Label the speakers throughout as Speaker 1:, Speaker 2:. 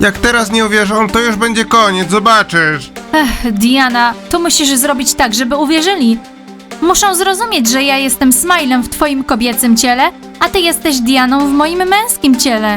Speaker 1: Jak teraz nie uwierzą, to już będzie koniec, zobaczysz.
Speaker 2: Diana, to musisz zrobić tak, żeby uwierzyli. Muszą zrozumieć, że ja jestem Smilem w twoim kobiecym ciele, a ty jesteś Dianą w moim męskim ciele.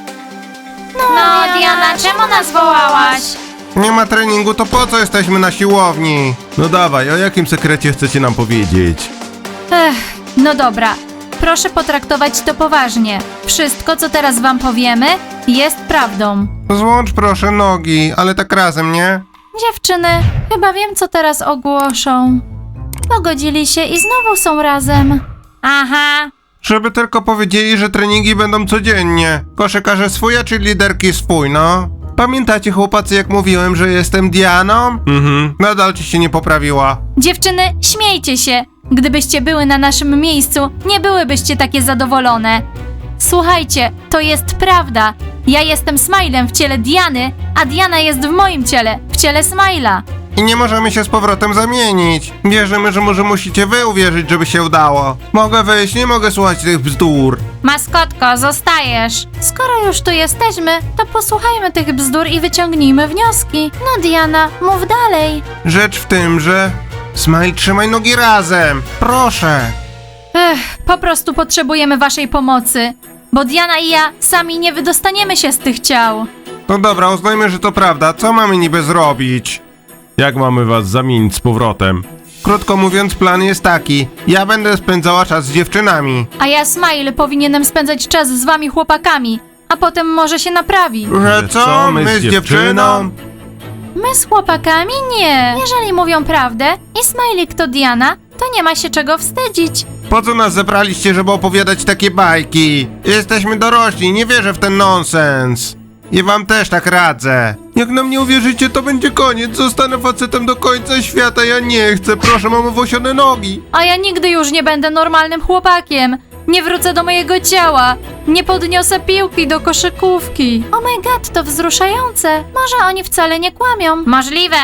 Speaker 3: No, Diana, czemu nas wołałaś?
Speaker 1: Nie ma treningu, to po co jesteśmy na siłowni?
Speaker 4: No dawaj, o jakim sekrecie chcecie nam powiedzieć?
Speaker 2: No dobra. Proszę potraktować to poważnie. Wszystko, co teraz wam powiemy, jest prawdą.
Speaker 1: Złącz proszę nogi, ale tak razem, nie?
Speaker 2: Dziewczyny, chyba wiem, co teraz ogłoszą. Pogodzili się i znowu są razem.
Speaker 3: Aha.
Speaker 1: Żeby tylko powiedzieli, że treningi będą codziennie. Koszykarze swój, a czy liderki swój, no. Pamiętacie, chłopacy, jak mówiłem, że jestem Dianą? Nadal ci się nie poprawiła.
Speaker 2: Dziewczyny, śmiejcie się. Gdybyście były na naszym miejscu, nie byłybyście takie zadowolone. Słuchajcie, to jest prawda. Ja jestem Smilem w ciele Diany, a Diana jest w moim ciele, w ciele Smila.
Speaker 1: I nie możemy się z powrotem zamienić. Wierzymy, że może musicie wy uwierzyć, żeby się udało. Mogę wyjść, nie mogę słuchać tych bzdur.
Speaker 3: Maskotko, zostajesz.
Speaker 2: Skoro już tu jesteśmy, to posłuchajmy tych bzdur i wyciągnijmy wnioski. No Diana, mów dalej.
Speaker 1: Rzecz w tym, że... Smile, trzymaj nogi razem. Proszę.
Speaker 2: Po prostu potrzebujemy waszej pomocy, bo Diana i ja sami nie wydostaniemy się z tych ciał.
Speaker 1: No dobra, uznajmy, że to prawda. Co mamy niby zrobić?
Speaker 4: Jak mamy was zamienić z powrotem?
Speaker 1: Krótko mówiąc, plan jest taki. Ja będę spędzała czas z dziewczynami.
Speaker 2: A ja, Smile, powinienem spędzać czas z wami chłopakami, a potem może się naprawi.
Speaker 1: Że co? My z dziewczyną?
Speaker 2: My z chłopakami? Nie. Jeżeli mówią prawdę i Smiley to Diana, to nie ma się czego wstydzić.
Speaker 1: Po co nas zebraliście, żeby opowiadać takie bajki? Jesteśmy dorośli, nie wierzę w ten nonsens. I wam też tak radzę. Jak nam nie uwierzycie, to będzie koniec. Zostanę facetem do końca świata. Ja nie chcę. Proszę, mam owłosione nogi.
Speaker 2: A ja nigdy już nie będę normalnym chłopakiem. Nie wrócę do mojego ciała. Nie podniosę piłki do koszykówki. Oh my god, to wzruszające. Może oni wcale nie kłamią.
Speaker 3: Możliwe.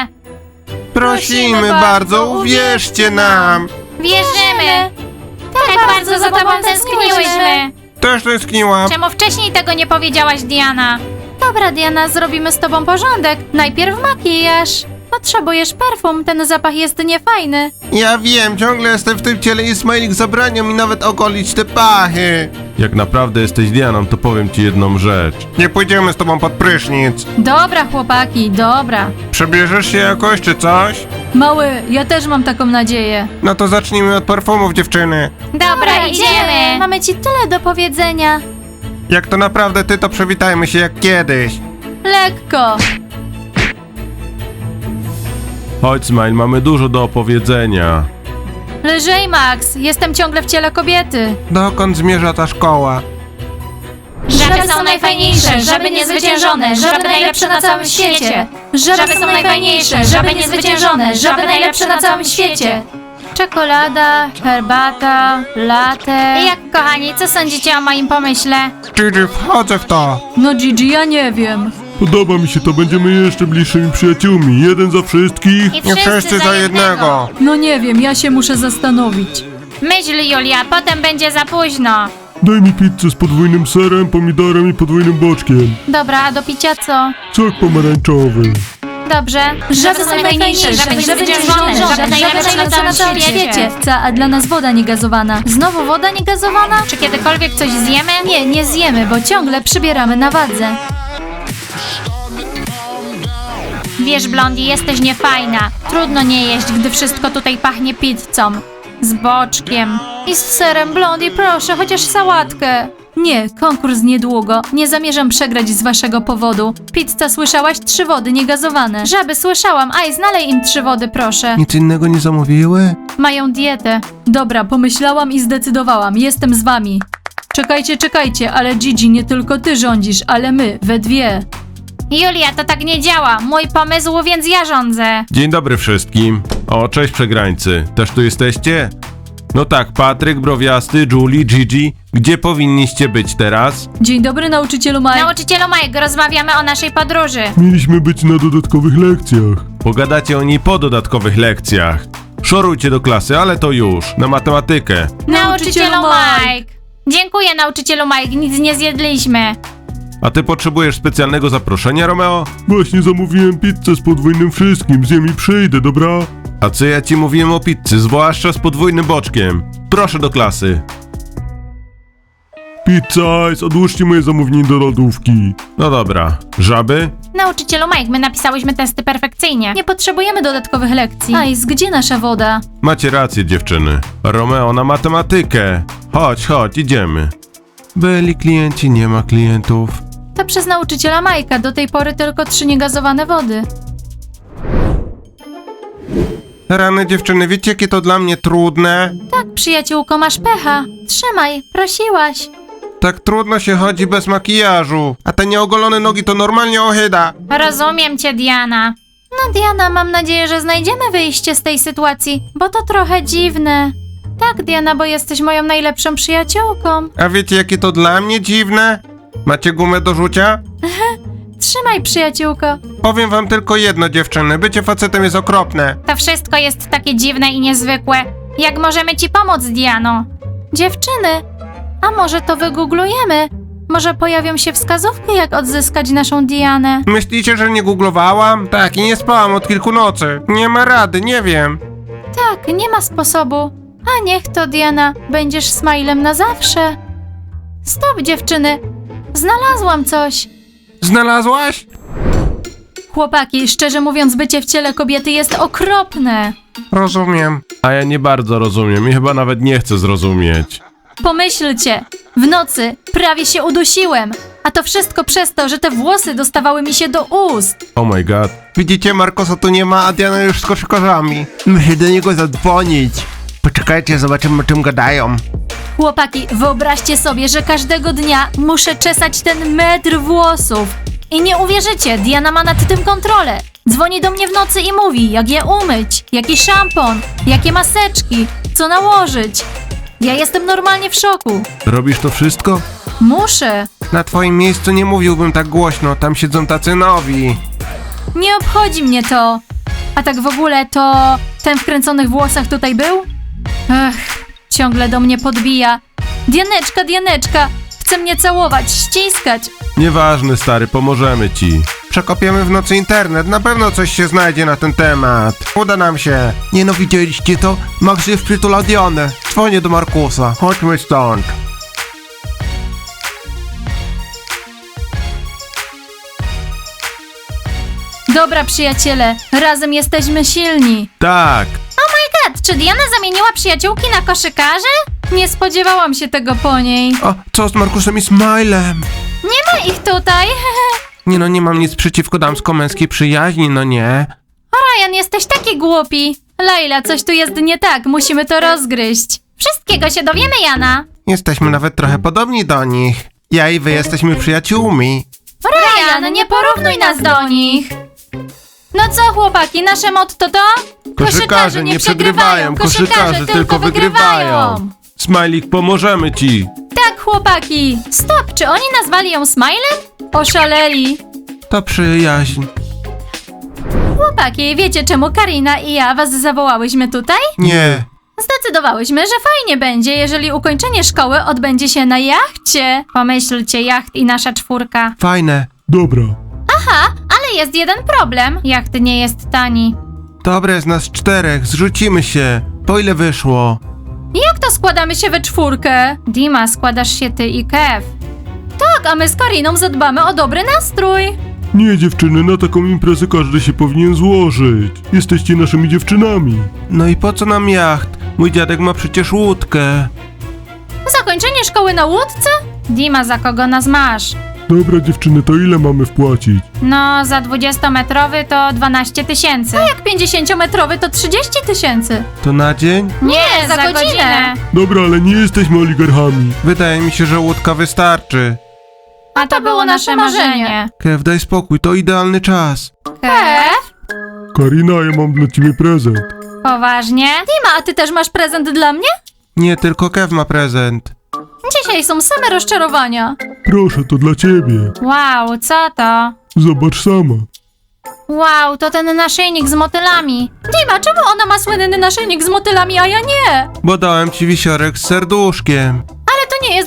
Speaker 1: Prosimy bardzo, uwierzcie nam.
Speaker 3: Wierzymy. Tak bardzo za tobą tęskniłyśmy.
Speaker 1: Też tęskniłam.
Speaker 3: Czemu wcześniej tego nie powiedziałaś, Diana?
Speaker 2: Dobra, Diana, zrobimy z tobą porządek. Najpierw makijaż. Potrzebujesz perfum, ten zapach jest niefajny.
Speaker 1: Ja wiem, ciągle jestem w tym ciele i Smajlik zabrania mi nawet ogolić te pachy.
Speaker 4: Jak naprawdę jesteś Dianą, to powiem ci jedną rzecz.
Speaker 1: Nie pójdziemy z tobą pod prysznic.
Speaker 2: Dobra, chłopaki, dobra.
Speaker 1: Przebierzesz się jakoś czy coś?
Speaker 2: Mały, ja też mam taką nadzieję.
Speaker 1: No to zacznijmy od perfumów, dziewczyny.
Speaker 3: Dobra, idziemy.
Speaker 2: Mamy ci tyle do powiedzenia.
Speaker 1: Jak to naprawdę ty, to przywitajmy się jak kiedyś.
Speaker 2: Lekko.
Speaker 4: Chodź, Smile, mamy dużo do opowiedzenia.
Speaker 2: Lżej, Max, jestem ciągle w ciele kobiety.
Speaker 1: Dokąd zmierza ta szkoła?
Speaker 3: Żaby są najfajniejsze, żaby niezwyciężone, żaby najlepsze na całym świecie.
Speaker 2: Żaby są najfajniejsze, żaby niezwyciężone, żaby najlepsze na całym świecie. Czekolada, herbata, latte.
Speaker 3: Jak, kochani, co sądzicie o moim pomyśle?
Speaker 1: Gigi, wchodzę w to.
Speaker 2: No Gigi, ja nie wiem.
Speaker 4: Podoba mi się to, będziemy jeszcze bliższymi przyjaciółmi. Jeden za wszystkich.
Speaker 3: I
Speaker 1: Nie wszyscy za jednego.
Speaker 2: No nie wiem, ja się muszę zastanowić.
Speaker 3: Myśl, Julia, potem będzie za późno.
Speaker 4: Daj mi pizzę z podwójnym serem, pomidorem i podwójnym boczkiem.
Speaker 2: Dobra, a do picia co?
Speaker 4: Sok pomarańczowy.
Speaker 2: Dobrze. Żaby są najfajniejsze, żaby niezwyciężone, żaby najlepsze na całym świecie. A dla nas woda niegazowana. Znowu woda niegazowana?
Speaker 3: Czy kiedykolwiek coś zjemy?
Speaker 2: Nie, nie zjemy, bo ciągle przybieramy na wadze.
Speaker 3: Wiesz, Blondie, jesteś niefajna. Trudno nie jeść, gdy wszystko tutaj pachnie pizzą. Z boczkiem.
Speaker 2: I z serem, Blondie, proszę, chociaż sałatkę. Nie, konkurs niedługo. Nie zamierzam przegrać z waszego powodu. Pizza, słyszałaś? 3 wody niegazowane. Żaby, słyszałam. Aj, znalej im 3 wody, proszę.
Speaker 1: Nic innego nie zamówiły?
Speaker 2: Mają dietę. Dobra, pomyślałam i zdecydowałam. Jestem z wami. Czekajcie, czekajcie, ale Gigi, nie tylko ty rządzisz, ale my, we dwie.
Speaker 3: Julia, to tak nie działa. Mój pomysł, więc ja rządzę.
Speaker 4: Dzień dobry wszystkim. O, cześć przegrańcy. Też tu jesteście? No tak, Patryk, Browiasty, Julie, Gigi. Gdzie powinniście być teraz?
Speaker 2: Dzień dobry, nauczycielu Mike.
Speaker 3: Nauczycielu Mike, rozmawiamy o naszej podróży.
Speaker 4: Mieliśmy być na dodatkowych lekcjach. Pogadacie o niej po dodatkowych lekcjach. Szorujcie do klasy, ale to już. Na matematykę.
Speaker 3: Nauczycielu Mike. Dziękuję, nauczycielu Mike, nic nie zjedliśmy.
Speaker 4: A ty potrzebujesz specjalnego zaproszenia, Romeo?
Speaker 5: Właśnie zamówiłem pizzę z podwójnym wszystkim, zjem i przyjdę, dobra?
Speaker 4: A co ja ci mówiłem o pizzy, zwłaszcza z podwójnym boczkiem? Proszę do klasy.
Speaker 5: Pizza Ice, odłóżcie moje zamówienie do lodówki.
Speaker 4: No dobra. Żaby?
Speaker 3: Nauczycielu Mike, my napisałyśmy testy perfekcyjnie.
Speaker 2: Nie potrzebujemy dodatkowych lekcji. Ice, gdzie nasza woda?
Speaker 4: Macie rację, dziewczyny. Romeo na matematykę. Chodź, idziemy. Byli klienci, nie ma klientów.
Speaker 2: To przez nauczyciela Majka, do tej pory tylko 3 niegazowane wody.
Speaker 1: Rany dziewczyny, wiecie jakie to dla mnie trudne?
Speaker 2: Tak, przyjaciółko, masz pecha. Trzymaj, prosiłaś.
Speaker 1: Tak trudno się chodzi bez makijażu. A te nieogolone nogi to normalnie ohyda.
Speaker 3: Rozumiem cię, Diana.
Speaker 2: No Diana, mam nadzieję, że znajdziemy wyjście z tej sytuacji, bo to trochę dziwne. Tak, Diana, bo jesteś moją najlepszą przyjaciółką.
Speaker 1: A wiecie jakie to dla mnie dziwne? Macie gumę do rzucia?
Speaker 2: Trzymaj, przyjaciółko.
Speaker 1: Powiem wam tylko jedno, dziewczyny. Bycie facetem jest okropne.
Speaker 3: To wszystko jest takie dziwne i niezwykłe. Jak możemy ci pomóc, Diano?
Speaker 2: Dziewczyny, a może to wygooglujemy? Może pojawią się wskazówki, jak odzyskać naszą Dianę.
Speaker 1: Myślicie, że nie googlowałam? Tak, i nie spałam od kilku nocy. Nie ma rady, nie wiem.
Speaker 2: Tak, nie ma sposobu. A niech to, Diana, będziesz smajlem na zawsze. Stop, dziewczyny. Znalazłam coś.
Speaker 1: Znalazłaś?
Speaker 2: Chłopaki, szczerze mówiąc, bycie w ciele kobiety jest okropne.
Speaker 1: Rozumiem.
Speaker 4: A ja nie bardzo rozumiem i chyba nawet nie chcę zrozumieć.
Speaker 2: Pomyślcie, w nocy prawie się udusiłem, a to wszystko przez to, że te włosy dostawały mi się do ust.
Speaker 4: Oh my god.
Speaker 1: Widzicie, Markosa tu nie ma, a Diana już z koszykarzami. Muszę do niego zadzwonić. Poczekajcie, zobaczymy o czym gadają.
Speaker 2: Chłopaki, wyobraźcie sobie, że każdego dnia muszę czesać ten metr włosów. I nie uwierzycie, Diana ma nad tym kontrolę. Dzwoni do mnie w nocy i mówi, jak je umyć, jaki szampon, jakie maseczki, co nałożyć. Ja jestem normalnie w szoku.
Speaker 4: Robisz to wszystko?
Speaker 2: Muszę.
Speaker 1: Na twoim miejscu nie mówiłbym tak głośno, tam siedzą tacy nowi.
Speaker 2: Nie obchodzi mnie to. A tak w ogóle to ten w kręconych włosach tutaj był? Ech, ciągle do mnie podbija. Dianeczka, Dianeczka, chce mnie całować, ściskać.
Speaker 4: Nieważne, stary, pomożemy ci.
Speaker 1: Przekopiemy w nocy internet, na pewno coś się znajdzie na ten temat. Uda nam się. Nie no, widzieliście to? Max jest przytula Dianę. Dzwonię do Markusa. Chodźmy stąd.
Speaker 2: Dobra, przyjaciele, razem jesteśmy silni.
Speaker 4: Tak.
Speaker 3: Czy Diana zamieniła przyjaciółki na koszykarzy?
Speaker 2: Nie spodziewałam się tego po niej.
Speaker 1: O, co z Markusem i Smilem?
Speaker 2: Nie ma ich tutaj.
Speaker 1: Nie no, nie mam nic przeciwko damsko-męskiej przyjaźni, no nie.
Speaker 2: Ryan, jesteś taki głupi. Laila, coś tu jest nie tak, musimy to rozgryźć.
Speaker 3: Wszystkiego się dowiemy, Jana.
Speaker 1: Jesteśmy nawet trochę podobni do nich. Ja i wy jesteśmy przyjaciółmi.
Speaker 2: Ryan, nie porównuj nas do nich. No co, chłopaki, nasze motto to?
Speaker 4: Koszykarze nie przegrywają, koszykarze tylko wygrywają. Smajlik, pomożemy ci.
Speaker 2: Tak, chłopaki. Stop, czy oni nazwali ją Smilem? Oszaleli.
Speaker 1: To przyjaźń.
Speaker 2: Chłopaki, wiecie czemu Karina i ja was zawołałyśmy tutaj?
Speaker 1: Nie.
Speaker 2: Zdecydowałyśmy, że fajnie będzie, jeżeli ukończenie szkoły odbędzie się na jachcie.
Speaker 3: Pomyślcie, jacht i nasza czwórka.
Speaker 1: Fajne.
Speaker 5: Dobra.
Speaker 3: Ale jest jeden problem. Jacht nie jest tani.
Speaker 1: Dobre, jest nas 4, zrzucimy się. Po ile wyszło?
Speaker 2: Jak to składamy się we 4?
Speaker 3: Dima, składasz się ty i Kev.
Speaker 2: Tak, a my z Kariną zadbamy o dobry nastrój.
Speaker 5: Nie, dziewczyny, na taką imprezę każdy się powinien złożyć. Jesteście naszymi dziewczynami.
Speaker 1: No i po co nam jacht? Mój dziadek ma przecież łódkę.
Speaker 2: Zakończenie szkoły na łódce?
Speaker 3: Dima, za kogo nas masz?
Speaker 5: Dobra, dziewczyny, to ile mamy wpłacić?
Speaker 3: No, za 20-metrowy to 12 000.
Speaker 2: Jak 50-metrowy to 30 000.
Speaker 1: To na dzień?
Speaker 2: Nie, za godzinę.
Speaker 5: Dobra, ale nie jesteśmy oligarchami.
Speaker 1: Wydaje mi się, że łódka wystarczy.
Speaker 3: A to było nasze marzenie.
Speaker 1: Kev, daj spokój, to idealny czas.
Speaker 3: Kev?
Speaker 5: Karina, ja mam dla ciebie prezent.
Speaker 3: Poważnie?
Speaker 2: Dima, a ty też masz prezent dla mnie?
Speaker 1: Nie, tylko Kev ma prezent.
Speaker 2: Dzisiaj są same rozczarowania.
Speaker 5: Proszę, to dla ciebie.
Speaker 3: Wow, co to?
Speaker 5: Zobacz sama.
Speaker 3: Wow, to ten naszyjnik z motylami.
Speaker 2: Dima, czemu ona ma słynny naszyjnik z motylami, a ja nie?
Speaker 1: Bo dałem ci wisiorek z serduszkiem.
Speaker 2: Ale to nie jest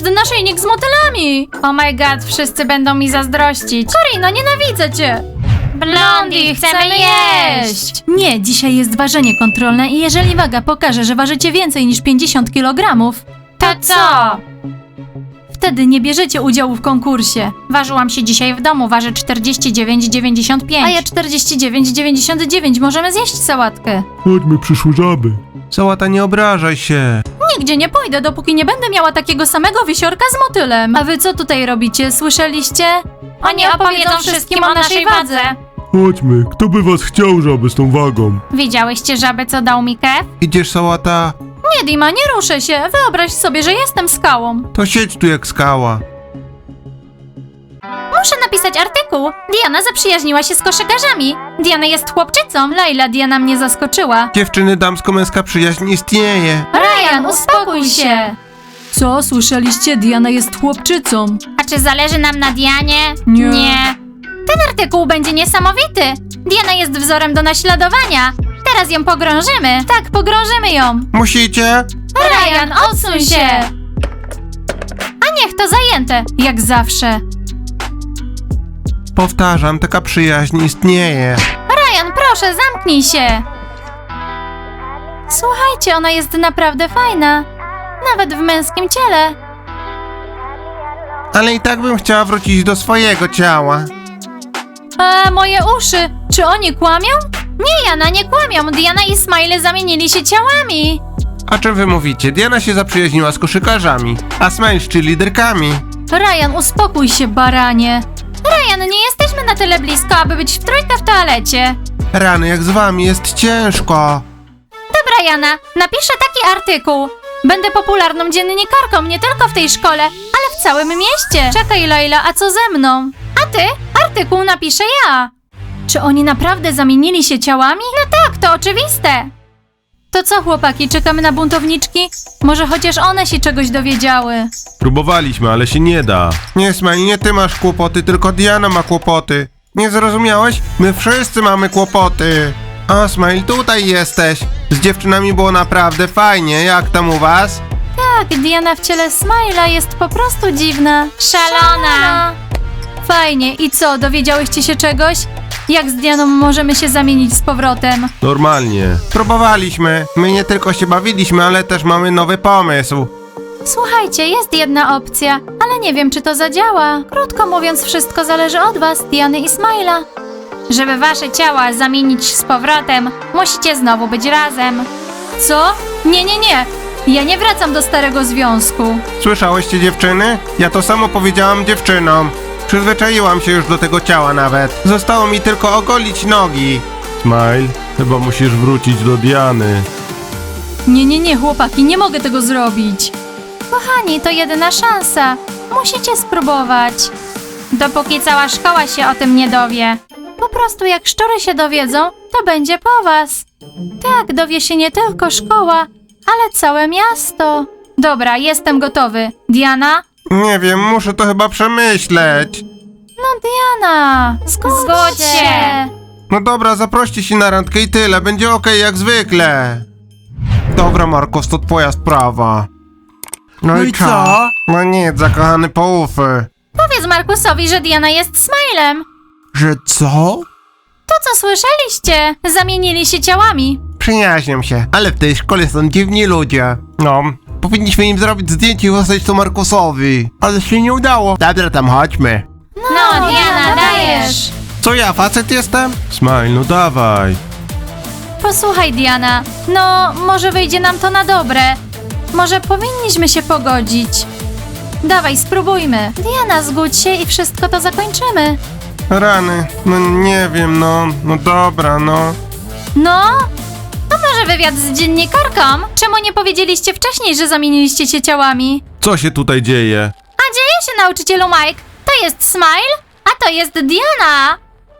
Speaker 2: jest naszyjnik z motylami.
Speaker 3: Oh my god, wszyscy będą mi zazdrościć.
Speaker 2: Karina, nienawidzę cię.
Speaker 3: Blondie, chcemy jeść!
Speaker 2: Nie, dzisiaj jest ważenie kontrolne i jeżeli waga pokaże, że ważycie więcej niż 50 kg,
Speaker 3: To co?
Speaker 2: wtedy nie bierzecie udziału w konkursie.
Speaker 3: Ważyłam się dzisiaj w domu, waży 49,95.
Speaker 2: A ja 49,99. Możemy zjeść sałatkę.
Speaker 5: Chodźmy, przyszły żaby.
Speaker 1: Sałata, nie obrażaj się.
Speaker 2: Nigdzie nie pójdę, dopóki nie będę miała takiego samego wisiorka z motylem. A wy co tutaj robicie? Słyszeliście?
Speaker 3: Oni opowiedzą wszystkim o naszej wadze.
Speaker 5: Chodźmy, kto by was chciał, żaby, z tą wagą?
Speaker 3: Widziałyście żabę, co dał mi Kev?
Speaker 1: Idziesz, Sałata?
Speaker 2: Nie, Dima, nie ruszę się. Wyobraź sobie, że jestem skałą.
Speaker 1: To siedź tu jak skała.
Speaker 2: Muszę napisać artykuł. Diana zaprzyjaźniła się z koszykarzami. Diana jest chłopczycą. Laila, Diana mnie zaskoczyła.
Speaker 1: Dziewczyny, damsko-męska przyjaźń istnieje.
Speaker 2: Ryan, uspokój się. Co, słyszeliście? Diana jest chłopczycą.
Speaker 3: A czy zależy nam na Dianie?
Speaker 2: Nie.
Speaker 3: Ten artykuł będzie niesamowity. Diana jest wzorem do naśladowania. Teraz ją pogrążymy.
Speaker 2: Tak, pogrążymy ją.
Speaker 1: Musicie?
Speaker 2: Ryan, odsuń się. A niech to zajęte, jak zawsze.
Speaker 1: Powtarzam, taka przyjaźń istnieje.
Speaker 2: Ryan, proszę, zamknij się. Słuchajcie, ona jest naprawdę fajna. Nawet w męskim ciele.
Speaker 1: Ale i tak bym chciała wrócić do swojego ciała.
Speaker 2: A moje uszy, czy oni kłamią? Nie, Jana, nie kłamią. Diana i Smiley zamienili się ciałami.
Speaker 1: A czym wy mówicie? Diana się zaprzyjaźniła z koszykarzami, a Smile z cheerleaderkami.
Speaker 2: Ryan, uspokój się, baranie. Ryan, nie jesteśmy na tyle blisko, aby być w trójkę w toalecie.
Speaker 1: Rany, jak z wami jest ciężko.
Speaker 2: Dobra, Jana, napiszę taki artykuł. Będę popularną dziennikarką nie tylko w tej szkole, ale w całym mieście. Czekaj, Laila, a co ze mną? A ty? Artykuł napiszę ja. Czy oni naprawdę zamienili się ciałami? No tak, to oczywiste. To co, chłopaki, czekamy na buntowniczki? Może chociaż one się czegoś dowiedziały.
Speaker 4: Próbowaliśmy, ale się nie da.
Speaker 1: Nie, Smile, nie ty masz kłopoty, tylko Diana ma kłopoty. Nie zrozumiałeś? My wszyscy mamy kłopoty. O, Smile, tutaj jesteś. Z dziewczynami było naprawdę fajnie. Jak tam u was?
Speaker 2: Tak, Diana w ciele Smile'a jest po prostu dziwna.
Speaker 3: Szalona.
Speaker 2: Fajnie, i co, dowiedziałyście się czegoś? Jak z Dianą możemy się zamienić z powrotem?
Speaker 4: Normalnie.
Speaker 1: Próbowaliśmy. My nie tylko się bawiliśmy, ale też mamy nowy pomysł.
Speaker 2: Słuchajcie, jest jedna opcja, ale nie wiem, czy to zadziała. Krótko mówiąc, wszystko zależy od was, Diany i Smile'a.
Speaker 3: Żeby wasze ciała zamienić z powrotem, musicie znowu być razem.
Speaker 2: Co? Nie, nie, nie. Ja nie wracam do starego związku.
Speaker 1: Słyszałyście, dziewczyny? Ja to samo powiedziałam dziewczynom. Przyzwyczaiłam się już do tego ciała nawet. Zostało mi tylko ogolić nogi.
Speaker 4: Smile, chyba musisz wrócić do Diany.
Speaker 2: Nie, nie, nie, chłopaki, nie mogę tego zrobić. Kochani, to jedyna szansa. Musicie spróbować.
Speaker 3: Dopóki cała szkoła się o tym nie dowie.
Speaker 2: Po prostu jak szczury się dowiedzą, to będzie po was. Tak, dowie się nie tylko szkoła, ale całe miasto. Dobra, jestem gotowy. Diana?
Speaker 1: Nie wiem, muszę to chyba przemyśleć.
Speaker 2: No Diana, zgódź się.
Speaker 1: No dobra, zaproście się na randkę i tyle. Będzie okej jak zwykle. Dobra, Marcos, to twoja sprawa. No i co? No nic, zakochany poufy.
Speaker 2: Powiedz Markusowi, że Diana jest Smilem.
Speaker 1: Że co?
Speaker 2: To co słyszeliście? Zamienili się ciałami.
Speaker 1: Przyjaźnią się, ale w tej szkole są dziwni ludzie. No, powinniśmy im zrobić zdjęcie i wysłać to Markusowi. Ale się nie udało. Dobra, tam chodźmy.
Speaker 3: No, Diana, dajesz.
Speaker 1: Co ja, facet jestem?
Speaker 4: Smile, no dawaj.
Speaker 2: Posłuchaj, Diana. No, może wyjdzie nam to na dobre. Może powinniśmy się pogodzić. Dawaj, spróbujmy. Diana, zgódź się i wszystko to zakończymy.
Speaker 1: Rany, no nie wiem, no dobra, no.
Speaker 2: No? To może wywiad z dziennikarką? Czemu nie powiedzieliście wcześniej, że zamieniliście się ciałami?
Speaker 4: Co się tutaj dzieje?
Speaker 2: A dzieje się, nauczycielu Mike. To jest Smile, a to jest Diana.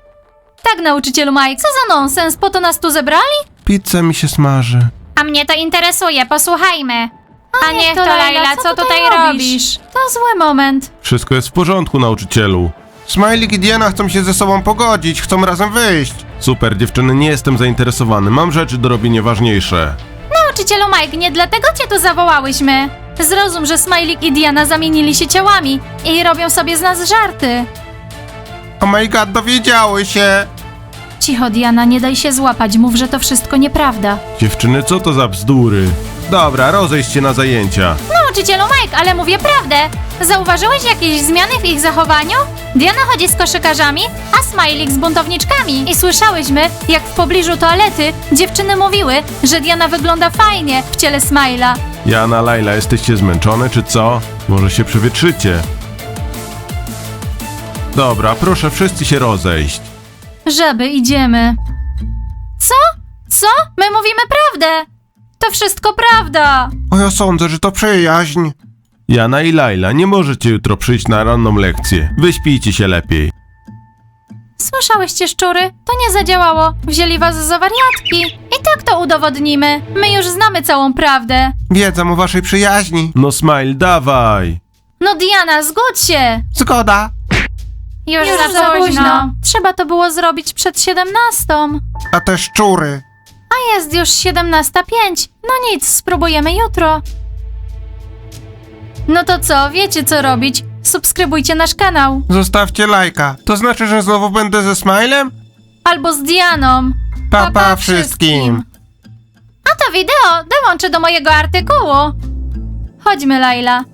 Speaker 2: Tak, nauczycielu Mike, co za nonsens, po to nas tu zebrali?
Speaker 1: Pizza mi się smaży.
Speaker 3: A mnie to interesuje, posłuchajmy. A niech to
Speaker 2: Laila,
Speaker 3: Laila, co tutaj robisz?
Speaker 2: To zły moment.
Speaker 4: Wszystko jest w porządku, nauczycielu.
Speaker 1: Smajlik i Diana chcą się ze sobą pogodzić, chcą razem wyjść.
Speaker 4: Super, dziewczyny, nie jestem zainteresowany. Mam rzeczy do robienia ważniejsze.
Speaker 2: Nauczycielu Mike, nie dlatego cię tu zawołałyśmy. Zrozum, że Smajlik i Diana zamienili się ciałami i robią sobie z nas żarty.
Speaker 1: Oh my god, dowiedziały się.
Speaker 2: Cicho, Diana, nie daj się złapać, mów, że to wszystko nieprawda.
Speaker 4: Dziewczyny, co to za bzdury? Dobra, rozejść się na zajęcia.
Speaker 3: Nauczycielu Mike, ale mówię prawdę. Zauważyłeś jakieś zmiany w ich zachowaniu? Diana chodzi z koszykarzami, a Smajlik z buntowniczkami.
Speaker 2: I słyszałyśmy, jak w pobliżu toalety dziewczyny mówiły, że Diana wygląda fajnie w ciele Smajla.
Speaker 4: Jana, Laila, jesteście zmęczone, czy co? Może się przewietrzycie. Dobra, proszę wszyscy się rozejść.
Speaker 2: Żaby, idziemy. Co? Co? My mówimy prawdę. To wszystko prawda.
Speaker 1: O, ja sądzę, że to przyjaźń.
Speaker 4: Jana i Laila, nie możecie jutro przyjść na ranną lekcję. Wyśpijcie się lepiej.
Speaker 2: Słyszałyście, szczury? To nie zadziałało. Wzięli was za wariatki. I tak to udowodnimy. My już znamy całą prawdę.
Speaker 1: Wiedzą o waszej przyjaźni.
Speaker 4: No Smile, dawaj!
Speaker 2: No Diana, zgódź się.
Speaker 1: Zgoda.
Speaker 3: Już za późno.
Speaker 2: Trzeba to było zrobić przed 17.
Speaker 1: A te szczury.
Speaker 2: A jest już 17:05. No nic, spróbujemy jutro. No to co, wiecie co robić? Subskrybujcie nasz kanał.
Speaker 1: Zostawcie lajka. To znaczy, że znowu będę ze Smilem?
Speaker 2: Albo z Dianą.
Speaker 1: Pa, pa wszystkim.
Speaker 2: A to wideo dołączę do mojego artykułu. Chodźmy, Laila.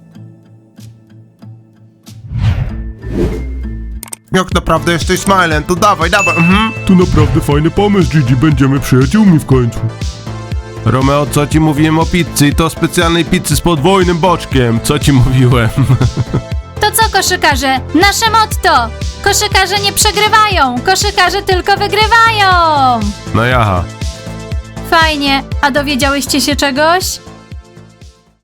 Speaker 1: Jak naprawdę jesteś Smilem, to dawaj, dawaj.
Speaker 5: To naprawdę fajny pomysł, Gigi, będziemy przyjaciółmi w końcu.
Speaker 4: Romeo, co ci mówiłem o pizzy? I to specjalnej pizzy z podwójnym boczkiem. Co ci mówiłem?
Speaker 2: To co, koszykarze? Nasze motto. Koszykarze nie przegrywają, koszykarze tylko wygrywają.
Speaker 4: No jaha.
Speaker 2: Fajnie, a dowiedziałyście się czegoś?